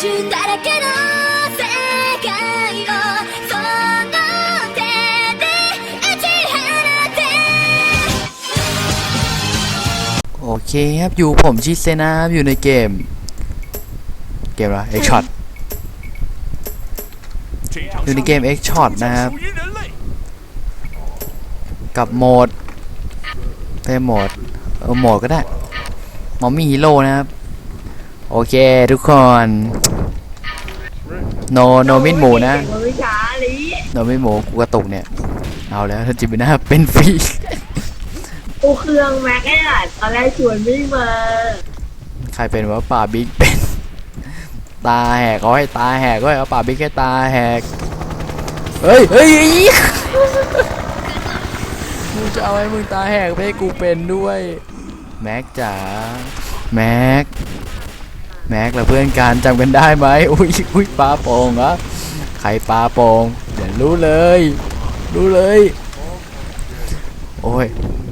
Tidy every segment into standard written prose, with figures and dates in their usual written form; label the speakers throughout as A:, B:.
A: だらけの世界をその手で打ち放て
B: โอเคครับอยู่ผมชิเซนะครับอยู่ในเกมอะไร X Shot อยู่ในเกม X Shot นะครับกับโหมดเป็นโหมดก็ได้หมอมีฮีโร่นะครับโอเคทุกคนโนมิดหมูนะโนมิดหมูกูกระตุกเนี่ยเอาแล้วถ้าจิบนะเป็นฟรี
C: กูเครื่องแม็กไอ้หล่ะตอนแรกชวนไม่มา
B: ใครเป็นวะป่าบิ๊กเป็นตาแหกเขาให้ตาแหกก็ให้ป่าบิ๊กให้ตาแหกเฮ้ยมึงจะเอาให้มึงตาแหกไปให้กูเป็นด้วยแม็กจ๋าแม็กเราเพื่อนกันจำกันได้ไหมอุ้ยปลาโป่งเหรอใครปลาโป่งเดี๋ยวรู้เลยโอ้ย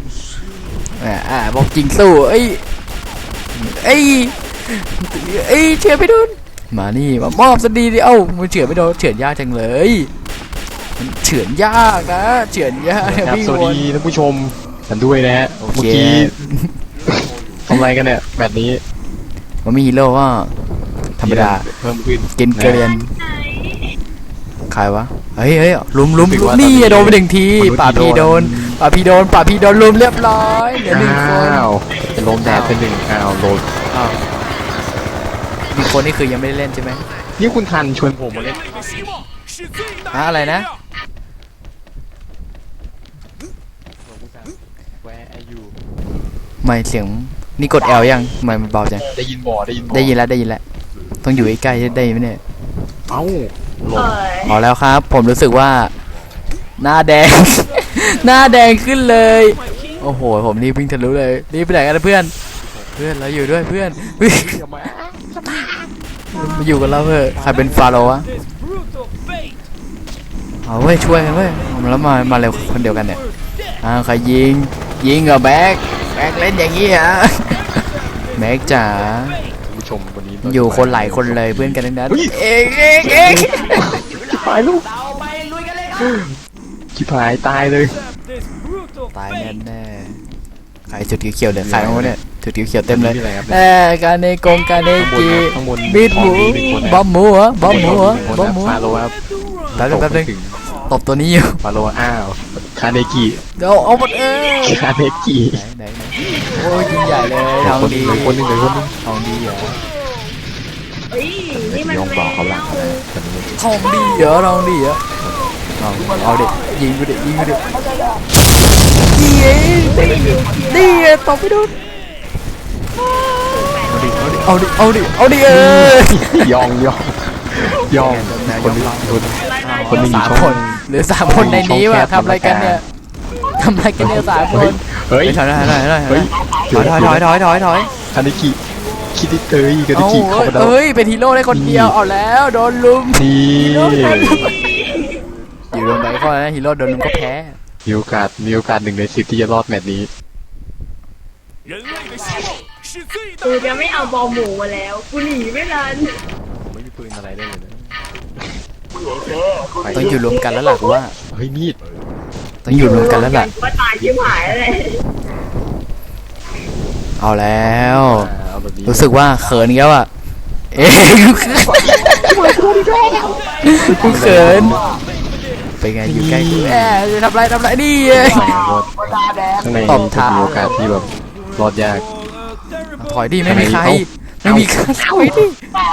B: บอกจริงสู้เเฉือนไม่โดนมานี่มามอบสดีดิมันเฉือนไม่โดนเฉือนยากจังเลยมันเฉือนยากนะเฉือนยาก
D: ครับสวัสดีท่านผู้ชมกันด้วยนะฮะเมื่อกี้ทำอะไรกันเนี่ยแบบนี้
B: มันมีฮีโร่ว่าธรรมดา
D: เพิ่มขึ้น
B: กินเกลียนใครวะเฮ้ยลุมนี่โดนไปหนึ่งทีป่าพีโดนลุมเรียบร้อยเหลือหนึ่งคน
D: จะลมแดดเป็นหนึ่งโดน
B: มีคนนี่คือยังไม่ได้เล่นใช่ไหม
D: นี่คุณทันชวนผมมาเล่น
B: อะไรนะไม่เสียงนี่กด L ยังไม่มันเบาจัง
D: ได้ยิน
B: แล้วต้องอยู่ใกล้ๆได้ไหมเนี่ยพอแล้วครับผมรู้สึกว่าหน้าแดงขึ้นเลยโอ้โหผมรีบวิ่งทะลุเลยรีบไปไหนกันเพื่อนเราอยู่ด้วยเพื่อนมาอยู่กับเราเพื่อใครเป็นฟาโรห์วะเอาเว้ยช่วยกันเว้ยแล้วมาเร็วคนเดียวกันเนี่ยใครยิงกับแบ็คเล่นอย่างงี้ฮะแม็กจ๋า
D: ผู้ชมวันนี้
B: อยู่คนหลายคนเลยเพื่อนกันทั้งนั้นเอง
D: ชิบหายลูกชิบหายตายเลย
B: ตายแน่ใครจุดเขียวๆเดี๋ยวใครเอาเนี่ยจุดเขียวๆเต็มเลยการเนจีบีดหมูบอมหมู
D: ฟาโรครับ
B: แป๊บนึงตบตัวนี้อยู่
D: ฟาโรคาเนกิ
B: เดี๋ยวเอาหมด
D: คาเนกิ
B: ไหนโอ้ยยิ่งใหญ่เลยทองดี
D: คนนึง
B: ทองดีเหรอ
D: ยองบอกเขาหลัง
B: ทองดีเหรอเอาเด็กยิงกูเด็กดีตบไปโดนเอาดิ
D: ยองคนหนึ่ง
B: 3 คนหรือ3 คนในนี้วะทำอะไรกันเนี่ย3 คน
D: เฮ้ย
B: ถอย
D: คาเนกิคิดิเตยกันกี่เข้ามาแล้ว
B: เป็นฮีโร่ได้คนเดียวเอาแล้วโดนลุมอยู่ลงไปก็นะฮีโร่โดนลุมก็แพ้
D: มีโอกาส1 ใน 10ที่จะรอดแมตช์นี้
C: กูจะไม่เอาบอลหมูมาแล้วกูหนีไม่ทัน
D: ไม่มีปืนอะไรได้เลยนะ
B: ต้องอยู่รวมกันแล้วล่ะกูว่า
D: เฮ้ยมีด
B: ต้องอยู่รวมกันแล้วล่ะ
C: ว่าตายชิบหายเลย
B: เอาแล้วรู้สึกว่าเขินแล้วอ่ะกูเขินไปไงอยู่ใกล้กูทำไรนี่
D: ข้างในตบเท้ามีโอกาสที่แบบรอดยาก
B: ถอยดิไม่มีใครถอยดิ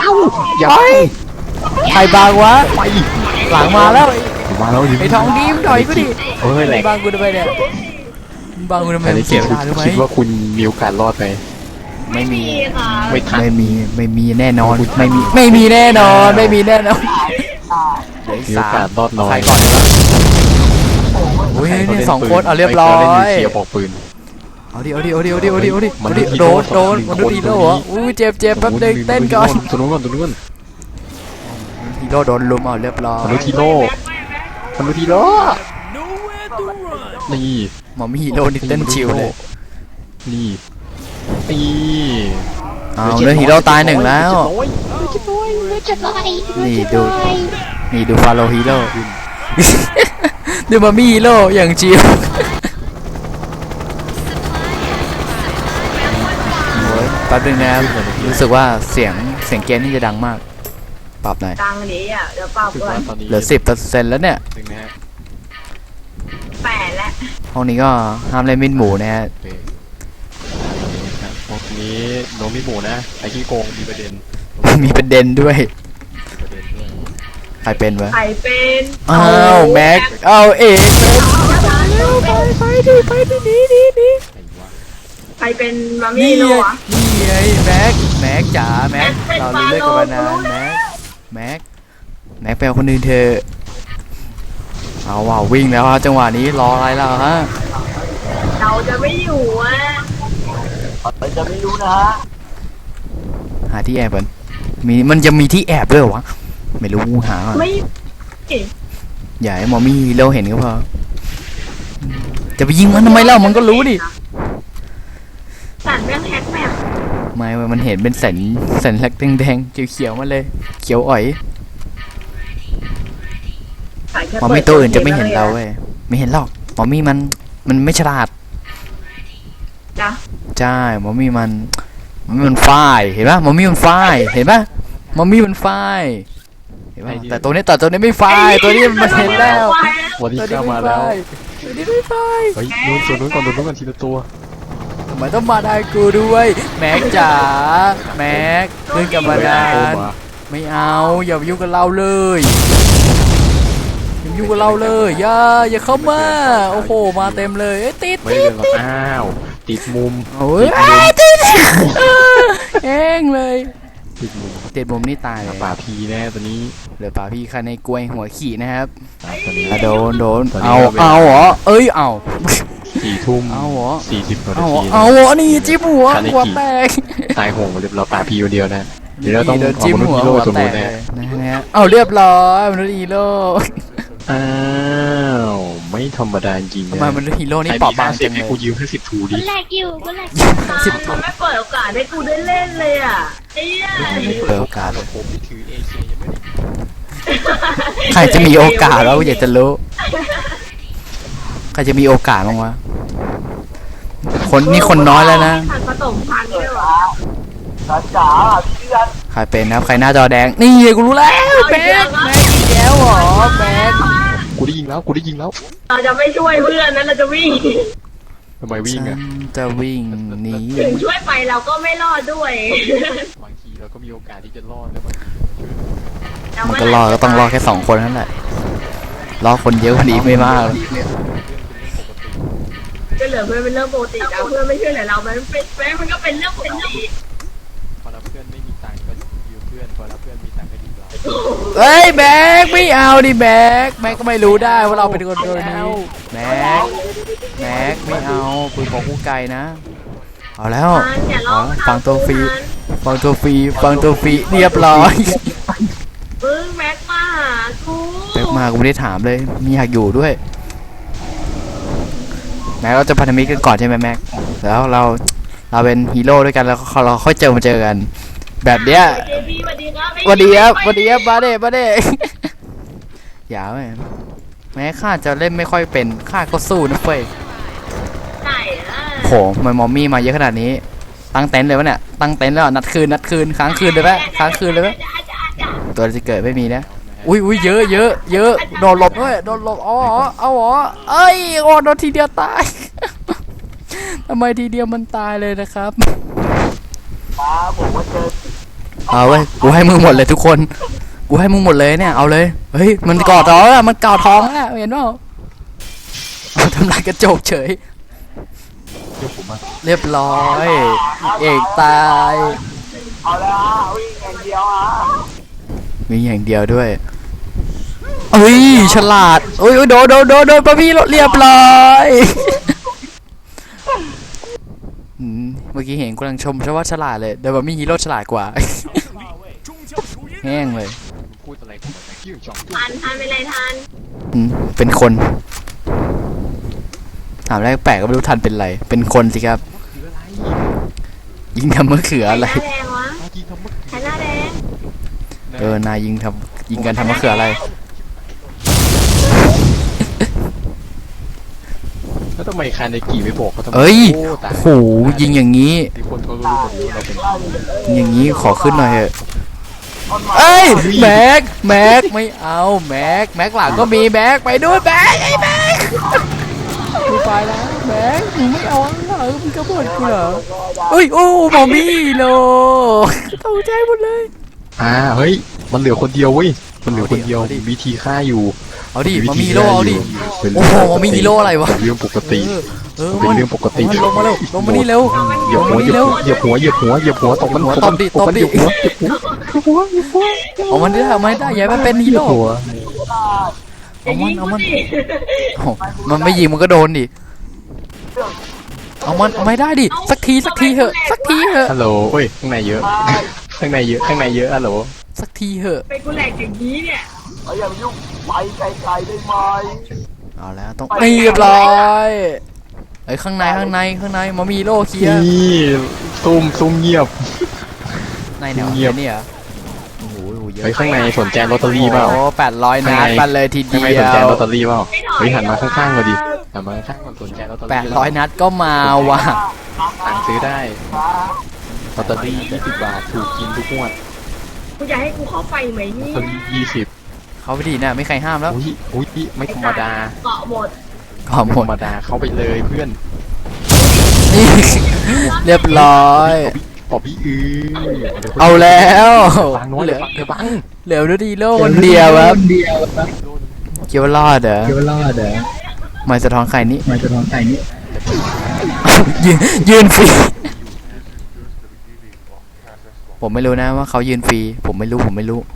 B: ใครบางวะหลังมาแล้วไอ้ทองดีมถอยกูดิบางกูทำไมเนี่ยบางกูทำไมเสียเวลาหรือไม่
D: คิดว่าคุณมีโอกาสรอดไหม
B: ไม่มี
D: แน่นอน
B: ไม่มีแน่นอน
D: มีโอกาสรอดน้อย
B: ใครก่อนโอ้ยเนี่ย2 คนเอาเรียบร้อย
D: เสียบอกปืน
B: เอาดิโดนมันดูฮีโร่เหรออุ้ยเจ็บแป๊บนึงเต้นก่อน
D: ตัวนู้น
B: ฮีโร่โดนลุมเอาเรียบร้อย
D: มันดูฮีโร่นี่
B: หมอมีฮีโร่นี่เต้นชิวเลย
D: นี่
B: เอาเรื่องฮีโร่ตาย1แล้วนี่ดูนี่ดูฟาโลฮีโร่ ดูมามี่ฮีโร่อย่างจิ๋วโอ้ยแป๊บนึงนะครับรู้สึกว่าเสียงเกมนี่จะดังมากปรับหน่อย
C: ตังค์นี้อ่ะเดี๋ยวเปล่า
D: คือ
C: ก่อ
D: ว่าน ตอนนี้
B: เหลือ10%แล้วเนี่ย
D: ถึงนะฮะ
C: 8แล้ว
B: ห้องนี้ก็ห้ามเล่นมินหมูนะฮะ
D: โอเคครับพวกนี้โนมิหมูนะไอ้ขี้โกงมีประเด็น
B: มีประเด็นด้วย
D: มีประเด็นด้วย
B: ใครเป็นวะ
C: ใครเป็น
B: อ้าวแม็กเอาเอกเลยไปดิหนี
D: ไอ้วะ
C: ใครเป็นมา
B: นี่
C: มี่
B: ไง
C: โน่อะ
B: นี่ไงแม็กจ๋าแม็กเรารู้เรื่องกันมานานแม็กไปเอาคนอื่นเถอะเอาว่ะวิ่งแล้วฮะจังหวะนี้รออะไรแล้วฮะ
C: เราจะไม่อยู่อ่ะ
B: หาที่แอบก่อนมันจะมีที่แอบด้วยเหรอวะไม่รู้หาก่อน
C: ไม่
B: อย่าให้หมอมี่เราเห็นก็พอจะไปยิงมันทำไมเล่ามันก็รู้ดิ
C: สั่นแม่งแฮกแมป
B: ไม่เว้ยมันเห็นเป็นสัญลักษณ์แดงๆเขียวๆมาเลยเขียวอ๋อยหมอมี่ตัวอื่นจะไม่เห็นเราเว้ยไม่เห็นหรอกหมอมี่มันไม่ฉลาด
C: จ้ะ
B: ใช่หมอมี่มันฝ้ายเห็นปะหมอมี่มันฝ้ายเห็นปะหมอมี่มันฝ้ายเห็นปะแต่ตัวนี้ไม่ฝ้ายตัวนี้มันเห็นแล้ว
D: วันนี้
B: ตัวนี้
D: เข้า
B: ไม่
D: มาแล้ว
B: ฝ้ายตัวนี้ไม่ฝ้าย
D: เฮ้ยนู้นส่วนนู้นก่อนนู้นก่อนทีละตัว
B: ทำไมต้องมาได้กูด้วยแม็กจ๋าแม็กขึ้นกับมานานไม่เอาอย่ายุ่งกับเราเลยอย่ายุ่งกับเราเลยอย่าเข้ามาโอ้โหมาเต็มเลยติด
D: ไม่ได้เรื่องหรอกอ้าวติดมุม
B: โอ้ยติดเองเลย
D: ติดมุม
B: ติดมุมนี่ตายเลย
D: ป่าพีแน่ตัวนี้
B: เหลือป่าพี่คันในกล้วยหัวขี่นะครับ
D: ตัวนี้
B: โดน
D: ตอนนี้
B: เอา
D: ก็เวลา
B: เหรอเอ้ยเอา
D: 4 ทุ่ม
B: เอาเหรอ
D: 40 นา
B: เอาเหรอ
D: ที
B: เอาเหรอนี่จิ้มหัว
D: คันใน
B: หัว
D: ขี่
B: แตก
D: ตายโหงเรียบร้อยป่าพีคนเดียวนะเดี๋ยวเราต้อง
B: โดน
D: เอา
B: จิ้ม
D: มนุษย์
B: หัว
D: ฮีโร่
B: หัว
D: ตัว
B: แต
D: นู้น
B: ก
D: นะ
B: เลยนะฮะเอาเรียบร้อยมนุษย์ฮีโร่
D: อ้าวไม่ธรรมดาจริง
B: ทำ
D: นะ
B: ไมมนุษย์ฮีโร่นี่เปราะบางจัง
D: ให้
B: เลย
D: กูยืมแค่10 ทูดิ
A: แรกอยู่ก็แรก
B: สิบ
C: มันไม่เปิดโอกาสให้กูได้เล่นเลยอ่ะไอ้เหี้ย
B: เปิดโอกาส
D: ผมที่ถือ AK ยังไม่ได้
B: ใครจะมีโอกาสแล้วอยากจะรู้ใครจะมีโอกาสบ้างวะคนน้อยแล้วนะ
C: พันผสมพันธุ์ด้วยวะ
B: ใครเป็นนะครับใครหน้าจอแดงนี่กูรู้แล้วแม็กอีกแล้วเหรอแม็ก
D: กูได้ยิงแล้ว
C: เราจะไม่ช่วยเพื่อนนะเราจะวิ่ง
D: ทำไมวิ่ง
B: ฉั
D: อ่ะ
B: นจะวิ่งหนี
C: ถึงช่วยไปเราก็ไม่รอดด้วย
D: บางทีเราก็มีโอกาสที่จะรอดแล้วบางที
B: มันก็รอดก็ต้องรอดแค่2 คนนั่นแหละรอคนเยอะกว่านี้ไม่มากหรอก
C: ก็เหลือเพื่อนเป็นเรื่องปกติแล้วเพื่อนไม่ช่วยเหลือเรามันก็เป็นเรื่องปกติ
D: พอเราเพื่อนไม่มีตังค์ก็ยืมเพื่อนพอเราเพื่อนมีตังค์ก็ยืมเรา
B: เฮ้ยแม็กไม่เอาดิแม็กก็ไม่รู้ได้ว่าเราเป็นคนโดนนี้แม็กไม่เอาคุยของคู่ไกลนะเอาแล้ว
C: มันอย่าร้อง
B: ฟังตัวฟรีเรียบร้อย
C: แม็กมาหากู
B: แม็กมากูไม่ได้ถามเลยมีอยากอยู่ด้วยแม็กเราจะพันธมิตรกันก่อนใช่ไหมแม็กแล้วเราเป็นฮีโร่ด้วยกันแล้วเราค่อยเจอกันแบบเนี้ย
C: เจบีสวัสดีครับ
B: สวัสดีครับมาเด้ อย่าแม่แม้ข้าจะเล่นไม่ค่อยเป็นข้าก็สู้นะเฟ้ย
C: ใช่อะ
B: โหมันมอมมี่มาเยอะขนาดนี้ตั้งเต็นท์เลยวะเนี่ยตั้งเต็นท์แล้วนัดคืนค้างคืนเลยปะตัวจะเกิดไม่มีนะอุ้ยเยอะโดนหลบด้วยเอาเหรอเอ้ยโดนทีเดียวตาย ทำไมทีเดียวมันตายเลยนะครับเอาเว้ยกูให้มึงหมดเลยทุกคนกูให้มึงหมดเลยเนี่ยเอาเลยเฮ้ยมันกอดท้องแล้วมันกอดท้องแล้วเห็นเปล่าเอาทำลายกระจกเฉย
D: เดี๋ยวผมมา
B: เรียบร้อยเอกตายวิ่งอย่างเดียวด้วยเอ้ยฉลาดโอ้ยโดนปะพี่เรียบร้อยเมื่อกี้เห็นกำลังชมใช่ว่าฉลาดเลยเดี๋ยวแบบมีฮีโร่ฉลาดกว่า แห้งเลย
D: พูดอะไรกันแบบนี้จ่อง
C: ทันเป็นไรทัน
B: เป็นคนถามแรกแปลกก็ไม่รู้ทันเป็นไรเป็นคนสิครับ
D: คืออะไร
B: ยิงทำมะเขืออะไร
C: ใครหน้าแดงวะ
D: จริงทำเมื่อ
C: ใครหน้าแดง
B: นายยิงกันทำมะเขืออะไร
D: แล้วทำไมคาเนกิไม่บอกเขาทำไม
B: เอ้ย
D: โอ้ตาย
B: โหยิงอย่างนี้
D: ที่คนเขารู้หมดเลยว่าเราเป็น
B: ยิงอย่างนี้ขอขึ้นหน่อยเถอะเอ้ยแม็กไม่เอาแม็กหลังก็มีแม็กไปด้วยแม็กไอ้แม็กกูไปแล้วแม็กมึงไม่เอาเหรอมึงกระโดดกูเหรอเอ้ยโอ้หมอมี่โลตกใจหมดเลย
D: เฮ้ยมันเหลือคนเดียวเว้ยมันเหลือคนเดียว
B: เอาดิ
D: วิธีฆ่าอยู่
B: เอาดิหมอมี่โลเอาดิ
D: เป็น
B: โอ้โหหมอมี่ฮีโร่อะไรวะ
D: เป็นเรื่องปกติ
B: มัน
D: เป็นเรื่องปกติ
B: ลงมาเร็วลงมานี่เร็ว
D: เหยียบหัวเหยียบหัวตบมัน
B: ตบดิ
D: ตบมัน
B: ตบดิ
D: เหยียบหัว
B: เอามันได้เอามันได้อย่าให้มันเป็นฮีโร่
D: หัว
C: อย่ายิงกูดิ
B: โอ้มันไม่ยิงมันก็โดนดิเอามันไม่ได้ดิสักทีเถอะสักทีเถอะ
D: ฮัลโหลเฮ้ยข้างในเยอะข้างในเยอะฮัลโหล
B: สักทีเถอะ
C: ไปกูแหลกอย่างนี้เนี่ย
B: เอาแล้วต้องเรียบร้อยไอ้ยข้างในมามีโลเคลียร์
D: นี่ซุ่มเงียบ
B: ในแนว
D: เงียบ
B: เนี่ยโอ้โหเยอะ
D: เฮ้ยข้างในสนใจลอตเตอรี่เปล่า
B: โอ้800นัดไปเลยทีเดี
D: ข้างใน
B: ย
D: สนใจ
B: ว
D: ลอตเตอรี่เปล่าเฮ้ยหันมาข้างๆมาดิหันมาข้างๆมันสนใจลอตเตอรี่
B: 800นัดก็มาว่ะ
D: สั่งซื้อได้ลอตเตอรี่20 บาทถูกกินทุกงวด
C: กูจะให้กูเข้าไปไหม
D: ลอ
C: เนี่
D: ตเตอรี่20
B: เขาไปดีนะไม่ใครห้ามแล้ว
D: อุ้ยไม่ธรรมดา
C: เกาะหมด
B: ขอหม
D: ธร
B: ด
D: รมดาเข้าไปเลยเพื่อน
B: นี่ เรียบร้อย
D: ปอบพี่
B: เอาแล้ว
D: บังน้อยเหลือเดี๋ยวบัง
B: เหลือดูดีโลคนเดียวครับเกี่ยวว่ารอดเหรอไม่สะท้อนไข่นี่ยืนฟรีผมไม่รู้นะว่าเขายืนฟรีผมไม่รู้ผม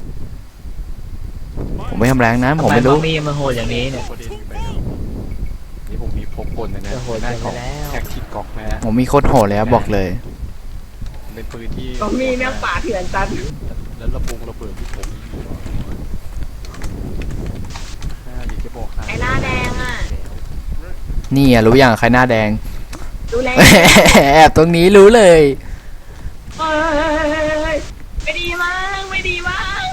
B: ไม่ทำแรงนะผมไม่รู้
E: มีมาโหดอย่างนี้เนี่ย
D: นี่ผมมีพกกลนะ
E: โหด
D: ได้
E: ไป
D: ของ
E: แล้ว
D: แท็กทิกก๊อกนะ
B: ผมมีโคตรโหดเลยครับบอกเลย
D: เป็นปืนที่
C: ก็มีแม่งป่าเถื่อนจัน
D: แล้วระเบิดที่ผมอยากจะบอก
C: ไอ้หน้าแดงอ่ะ
B: นี่อ่ะรู้อย่างใครหน้าแดง
C: ดูแล
B: แอบตรงนี้รู้เลย
C: เอ้ยไม่ดีมั้งไม่ดีมั้ง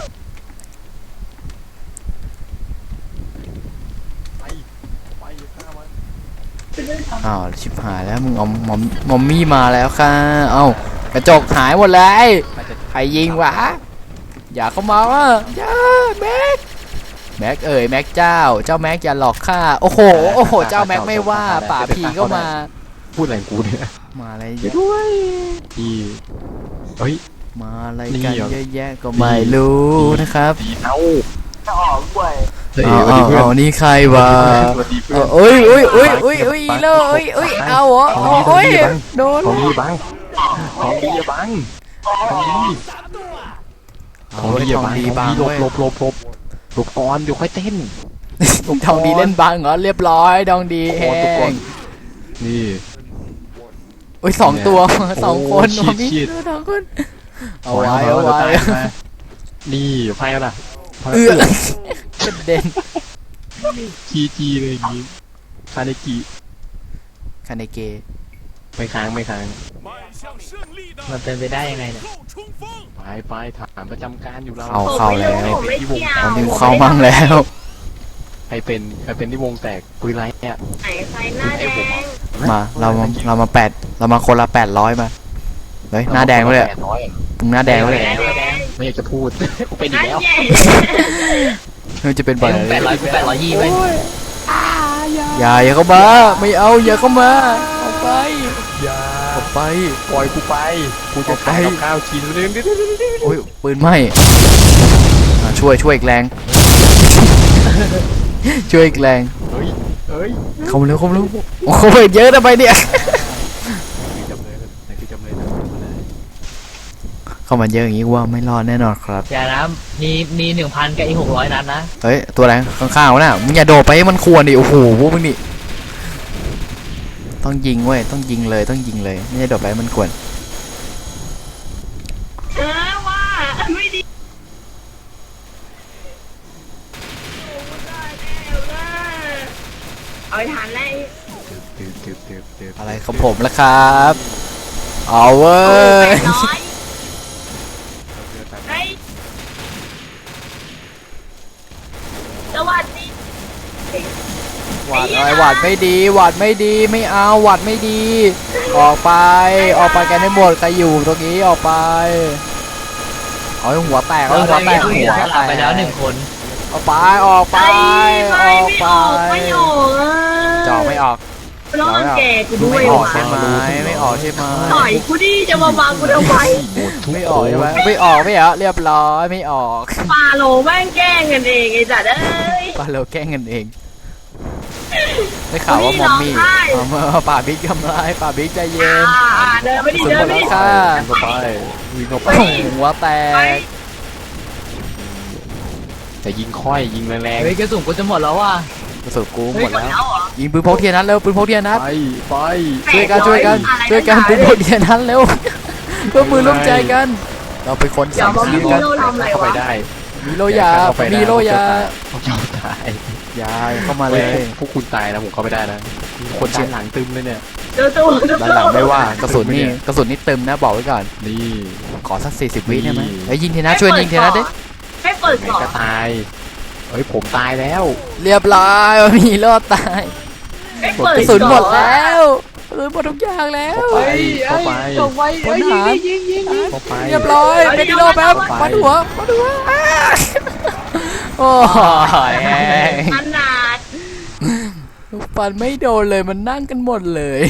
D: ไปฆ่ามัน
B: อ้าวชิบหายแล้วมึงเอามอมมี่มาแล้วค่ะเอ้ากระจกหายหมดเลยใครยิงวะอย่าเข้ามาว่ะอย่าแม็กเอ๋ยแม็กเจ้าแม็กอย่าหลอกข้าโอ้โหเจ้าแม็กไม่ว่าป่าผีก็มา
D: พูดอะไรกูเนี่ย
B: มาอะไร
D: ด้วยพี่เฮ้ย
B: มาอะไร
D: นี่
B: กัน
D: เหรอ
B: เยอะแยะก็ไม่รู้นะครับ
D: เอ้า
B: เอานี่ใครวะโอ้ยอีโลเอาเหรอโอ้ยโดน
D: ของดีบังของดีอย่าบังของดี
B: ของดีบาง
D: หล
B: เว้ย
D: บก่อนเดี๋ยวค่อยเต้น
B: ทองดีเล่นบางเหรอเรียบร้อยดองดีแห้ง
D: นี่
B: โอ้ย2 ตัว 2 คน
D: โอ้
B: มี
D: ชิด
B: สองคนเอาไว้
D: นี่ไพ่แล้วล่ะ
B: กระเด็น
D: จีเลยอย่างงี้คาเนกิ
B: คาเนเกะ
D: ไม่ค้าง
E: มันเป็นไปได้ยังไงเนี่ย
D: ไปถามประจำการอยู่เรา
B: เข้าแล้ว
C: ผมไม่เกี่ยว
B: ตอนนี้เข้ามั่งแล้ว
D: ใครเป็นที่วงแตกปืนไรเนี่ย
C: ไอ้ใครหน้าแดง
B: มาเรามาคนละ800มาเฮ้ยหน้าแดงเลยมึงหน้าแดงเลย
C: หน้าแดง
D: ไม่อยากจะพูดกูเป็นอี
C: นั่
D: ก
C: น
D: แล้ว
C: แย่
B: มันจะเป็นบ่อย
E: 820ไว้
B: อย่าเข้ามาไม่เอาอย่าเข้ามาออกไป
D: อย่า
B: ออกไป
D: ปล่อยกูไปกูจะขายกับข้าวกินเลย
B: โอ้ยปืนไหม้ช่วยอีกแรง ช่วยอีกแรง
D: เฮ้ย
B: เข้ามาเร็วโอ้โหเยอะทำไมเนี่ย
D: คือจำเลยนะ
B: เข้ามาเยอะอย่างนี้ว่าไม่รอดแน่นอนครับ
E: อย่านะมี 1,000 กับอีก 600 นัดนะ
B: เฮ้ยตัวอะไรข้างๆวะน่ะมึงอย่าโดดไปให้มันควรดิโอ้โหพวกมึงนี่ต้องยิงเว้ยต้องยิงเลยไม่ใช่โดดไปให้มันควร
C: ว่าไม่ดีเอาไปทานเลย
D: ตืบ
B: อะไรของผมล่ะครับเอาเว้ย
C: 800เฮ้ย
B: ไอ้หวัดไม่ดีหวัดไม่ดีไม่เอาหวัดไม่ดี ออกไปออกไปกันให้หมดใครอยู่ตรงนี้ออกไปเอาให้หัวแตกเอาให้หัวแตก
E: หั
B: หั
E: ว
B: ว
E: ส
B: แต
E: ลับ
B: ก
E: ไปแล้วหนึ่งคน
B: ออกไปออกไป
C: ไม่
B: ออก
C: ไม่
B: ไป
C: ออกไม่ออกอ่ะ
B: จ่อไม่ออก
C: ร้องแก่กูด้วย
B: ไม่ออก
C: ว่ะ
B: ใช่ไหมไม่ออกใช่ไหม
C: ต่อยกูดิจะมาบังกูทำไม
B: ไม่ออกใช่ไหมไม่ออกไม่เหรอเรียบร้อยไม่ออก
C: ปาโลแม่งแกล้งกันเองไอ้จัดเอ้ย
B: ปาเราแกล้งกันเองได้ข่าวว่ามอมมี่ป่าบิ๊กทำร้ายป่าบิ๊กใจเย็น
C: เดินไม่ดี
B: สุด
C: เดิ
B: หม
C: น
B: ด
C: ไม่
B: แล้ว
C: ดี
B: ค่ะ
D: วิ่งเข้าไปวิ่งเข้าไป
B: หัวแต
C: ไป
B: ก
D: แต่ยิงค่อยยิงแรง
E: เฮ้ยกระสุนกูจะหมดแล้วว่ะ
B: กระสุนกูหมดแล้ว
C: แล้วเหรอ
B: ยิงปืนพกเทียนนัดเร็วปืนพกเทียนนัด
D: ๆไป
B: ช่วยกันช่วยกันช่วยกันปืนพกเทียนนัดเร็วเพื่อมือร่วมใจกัน เราเป็นคน
C: เดี๋ย
B: สั่
C: ว
B: ง
C: มา
B: ชี
C: มี
B: วิตกัน
C: โลทำอะไร
D: เข้าไป
C: วะ
D: ได้
B: มีโลยามีโลยา
D: เขาเจ้าตาย
B: ยาเข้ามาเลย
D: พวกคุณตายนะผมเข้าไม่ได้นะคนด้านหลังตึมเลยเนี่ย
C: เจอตัว
B: ด้านหลังไม่ว่ากระสุนนี่เต็มนะบอกไว้ก่อน
D: นี่
B: ขอสัก40 วิได้ไหมไอ้ยยิงเทนัดช่วยยิงเทนัดดิ
C: ให้เปิด
D: ไง
C: ก่อน
D: ก็ตายเฮ้ยผมตายแล้ว
B: เรียบร้อยมีรอดตาย
C: ให้เปิด
B: กระสุนหมดแล้วกระสุนหมดทุกอย่างแล้ว
D: เข้าไป
B: คนหา
D: เข้าไป
B: เรียบร้อยเป็นดีโลแป๊บปัดหัวอ้าโอ้ย
C: ขนาด
B: ฟันไม่โดนเลยมันนั่งกันหมดเลย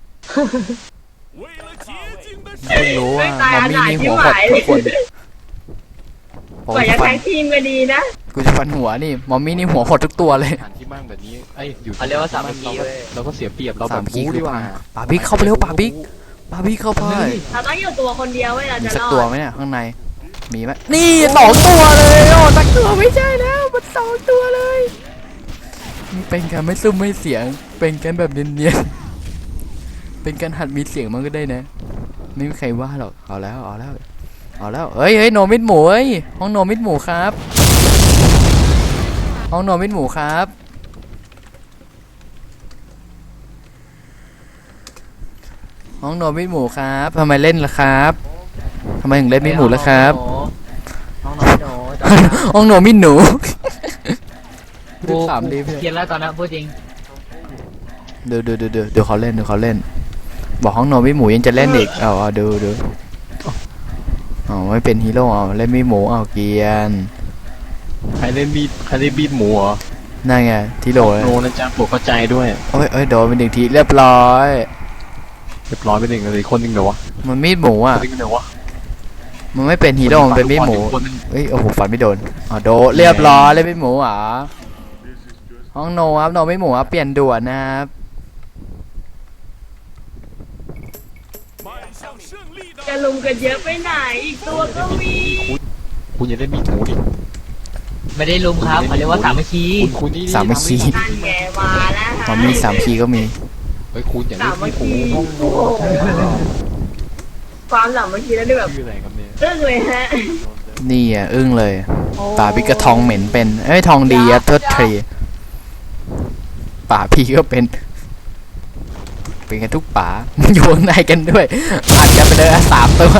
B: เพิ่งรู้ว่า
C: ตาย
B: มอม
C: ข
B: มี่
C: นาด
B: นี่
C: ที่
B: หัว
C: ห
B: หด
C: มาย
B: ทุกคนผม
C: กว่า
B: จะ
C: จะ
B: ฟั
C: แท็
B: น
C: กทีมก็ดีนะ
B: กูจะฟันหัวนี่มอมมี่นี่หัวหดทุกตัวเลย
D: สถานที่มั่งแบบนี้ไอ้ยอยู่
E: เขาเรียกว่าสามัคคีเว้ย
D: เราก็เสียเปรียบเราแบ
B: สา
D: บ
B: มคี
D: บู๊
B: คื
D: ดี
B: อก
D: ว่า
B: ป่าบิ๊กเข้าไปเร็วป่าบิ๊กเข้าไป
C: เราต้องอยู่ตัวคนเดียวเว้ยเรา
B: มี
C: จะ
B: สัก
C: รอ
B: ตัว
C: ด
B: ไหมเนี่ยข้างในมีไหมนี่2 ตัวเลยโอ้สักตัวไม่ใช่แล้วมัน2 ตัวเลยมันเป็นการไม่ซุ่มไม่เสียงเป็นการแบบเนียนๆเป็นการหัดมีเสียงมันก็ได้นะไม่มีใครว่าหรอกเอาแล้วเฮ้ยโนมิดหมูเอ้ยห้องโนมิดหมูครับห้องโนมิดหมูครับห้องโนมิดหมูครับทำไมเล่นล่ะครับทำไมถึงเล่นมิดหมูล่ะครับ
E: น้องๆหนู
B: ห้องโนมิดหนู
E: กู
B: ถามดีเพื่อน
E: เกลียดแล้วตอนนั้นพูดจริง
B: เดี๋ยวเขาเล่นบอกห้องโนมิดหมูยังจะเล่นอีกเอาดูอ๋อไม่เป็นฮีโร่เอาเล่นมิดหมูเอาเกียน
D: ใครเล่นบีดหมูเหรอ
B: นั่นไงทีโร่เลย
D: โนนะจ๊ะปวดเข้าใจด้วย
B: โอ้ยโดนเป็น1 ทีเรียบร้อย
D: เรียบร้อยไปหนึ่งเลยคนหนึ่งเหรอวะ
B: มันมีดหมู
D: ค
B: อ่ะ
D: นหนึ่งเหรอวะ
B: มันไม่เป็นฮีโร่มันเป็นมีดหมู
D: คนหนึ่ง
B: เอ้ยโอ้โหฟันไม่โดนโดนเรียบร้อยเลยมีดหมูเหรอห้องโนครับโนไม่หมูครับเปลี่ยนด่วนนะครับ
C: จะลุมกันเยอะไปไหนอีกตัวก็มี
D: คุณอย่าเล่นบีดหมูดิ
E: ไม่ได้ลุมครับเขาเรียกว่าสามัคคี
D: คุณนี่
B: สามัคคี
C: นั่นแกมาแล้วฮะ
B: มันมี3 คีก็มี
D: เฮ้ยคุณอย่า
C: สา
D: เล่น
C: มั
D: บี
C: ค
D: ดหมู
C: คีโอ้โหความสามัคคีแล้วนี่แบบ
D: ชื่ออะไรครับเนี่ย
C: อึ้งเลยฮะ
B: นี่อ่ะอึ้งเลยป่าพี่กระทองเหม็นเป็นทองดีอะโทษทีป่าพี่ก็เป็นกันทุกป่ามันอยู่ข้างในกันด้วยอัดกันไปเลย3 ตัว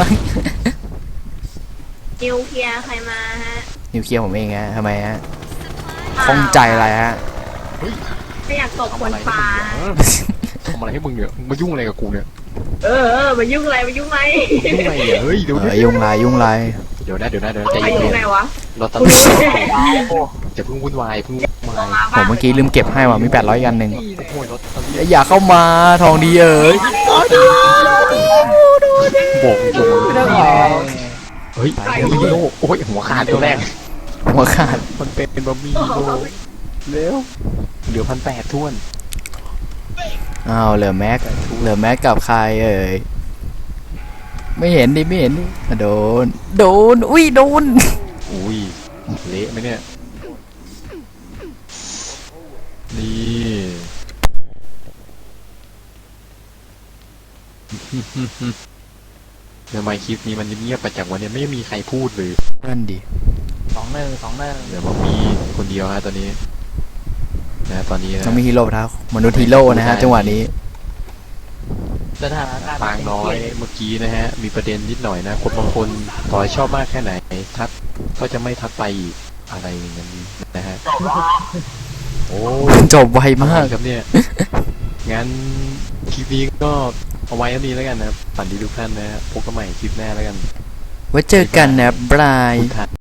C: นิวเคลียร์ใครมาฮะ
B: นิวเคลียร์ผมเองฮะทำไมฮะข้องใจอะไรฮะ
C: ไม่อยากตบคนปลา
D: ทำอะไรให้มึงเนี่ยมึงมายุ่งอะไรกับกูเนี่ย
C: มายุ่งอะไรมายุ่งอะไร
D: ยุ่งอะไรเนี่ยเฮ้ยเดี๋ยว
B: ยุ่งไร
D: เดี๋ยวใจ
C: ไป
D: เย็
C: ยุ่ง
D: น
C: ไงวะ
D: ๆเราต
C: คุณ
D: ล
C: รู้
D: ก
C: ไหม
D: จะเพิ่งวุ่นวายเพิ่งวุ่นวาย
B: ผมเมื่อกี้ลืมเก็บให้ว่ะมี800 อันหนึ่ง
D: โอ้ยรถตอนนี้
B: อย่าเข้ามาทองดีเอ๋ย
D: บอกตรง
B: ไม่ต้องออก
D: เฮ้ยฮีโร่โอ้ยหัวขาดตัวแรก
B: หัวขาด
D: มันเป็นบะหมี่ฮีโร่เร็วเหลือ1,800ท้วน
B: อ้าวเหลือแม็กกับใครเอ่ยไม่เห็นดิโดนอุ้ยโดน
D: อุ้ยเละไหมเนี่ยนี่ทำไมคลิปนี้มันเงียบไปจากวันนี้ไม่มีใครพูดเลย
B: นั่นดิ
E: 2-1
D: เดี๋ยวมันมีคนเดียวฮะตอนนี้นะตอนนี้นะ
B: ต้องมีฮีโร่นะมนุษย์ฮีโร่นะฮะจังหวะนี้
E: สถานการณ์
D: ปางน้อยเมื่อกี้นะฮะมีประเด็นนิดหน่อยนะคนบางคนต่อยชอบมากแค่ไหนทักก็จะไม่ทักไปอีกอะไรอย่างนี้นะฮะโอ้
B: จบไวมาก
D: ครับเนี่ย งั้นคลิปนี้ก็เอาไว้เท่านี้แล้วกันนะครับฝันดีทุกท่านนะพบกันใหม่คลิปหน้าแล้วกัน
B: ไว้เจอกันนะบาย
D: คุณทัน